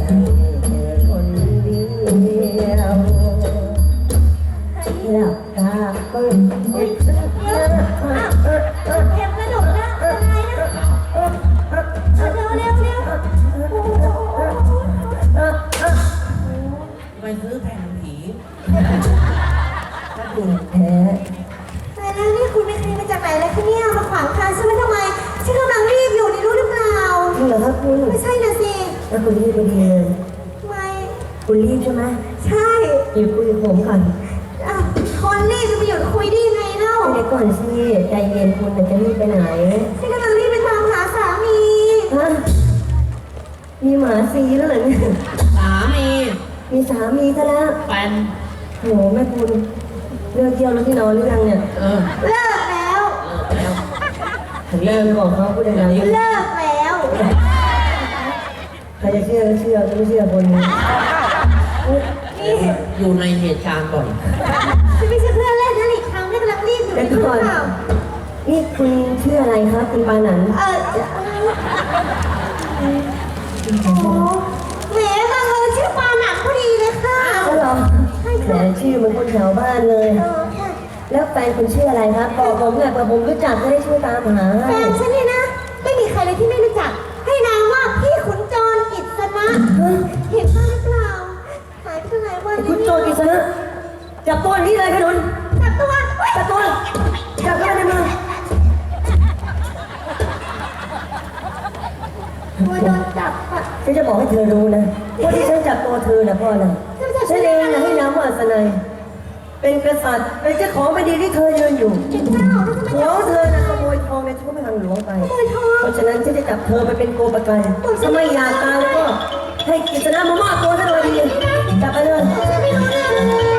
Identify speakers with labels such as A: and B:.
A: เธอคนเดียวหลับตาก็เอ็ดเ
B: เอ็มกระโดดนะอะไรนะเร็ว
C: ไปซื้อแผ่นผีถ้าดู
A: แพ้
B: แต่แล้วนี่คุณเป็นใครมาจากไหนแล้วคะเนี่ยมาขวางทางฉันไว้ทำไมฉันกำลังรีบอยู่ในรู้หรือเปล่า
A: จริงเหรอครับคุณ
B: ไม่ใช่นะสิ
A: แล้วคุณรีบพอดีเลย
B: ทำไม
A: คุณรีบใช่ไหม
B: ใช่
A: อยู่คุยกับผมก่อน
B: อ้าวคนรีบจะไปหยุดคุยได้ยังไงเล่า
A: เดี๋ยวก่อนสิใจเย็นคุณจะรีบไปไหน
B: ฉันกำลังรีบไปตามหาสามี
A: ฮะมีหมาซีแล้วเหรอเนี่ย
C: สามี
A: มีสามีซะแล้ว
C: แฟน
A: โหแม่คุณเลิกเที่ยวแล้วที่นอนหรือยังเนี่ย
C: เออ
B: เลิกแล้ว
C: เลิกแล้ว
A: ถึงเลิกบอกเขาพูดดังๆ
B: เลิกแล้ว
A: ใครจะเชื่อก็เชื่อจะไม่เชื่อคนนี้
B: นี่
C: อยู่ในเหตุการณ์บ่อย
B: ฉันไม่ใช่เพื่อนเล่นนะอีกครั้งไม่กำลังรีบอยู่
A: แต่
B: รู้ห
A: ก่อ
B: รื
A: น
B: อเปล่า
A: นี่คุณชื่ออะไรครับคุณปานัน
B: โอ้แหมบังเอิญชื่อปาหนักพอดีเลยค่ะ
A: ก็หรอแหมชื่อเหมันคนแถวบ้านเลย
B: ค่ะ
A: แล้วแฟนคุณชื่ออะไรครับบอกผมหน่อยเผื่อผมรู้จักจะได้ช่วยตามหา
B: แฟ
A: ให้
B: นฉันเนี่ยนะ ไม่มีใครเลยที่ไม่รู้จัก ให้นามว่าพี่ขุนจรกิษณะเห็นบ้างหรือเปล่าหายไปตั้งหลายวัน
A: คุณโจรกิษณะจับตัวนี้เลยขนุน
B: จับตัว
A: จับตัวจับตัวในมือ
B: ตัวโดนจับอ่ะ
A: ฉันจะบอกให้เธอรู้นะว่าที่ฉันจับตัวเธอนะเพราะอะไรฉันเองนะให้นามว่าอัศนัยเป็นกษัตริย์เป็นเจ้าของแผ่นดินที่เธอยืนอยู่
B: เป็นเจ้าแล้วทำไม
A: หัวเธอนะขโมยทองในชุดพระคลังหลวงไป
B: ขโมยทอง
A: เพราะฉะนั้นฉันจะจับเธอไปเป็นโกปกันถ้าไม่อยากตายแล้วก็ให้กิษณะมามอบตัวซะเลยดีจับไปเลย
B: ฉันไม่รู้เรื่องเลย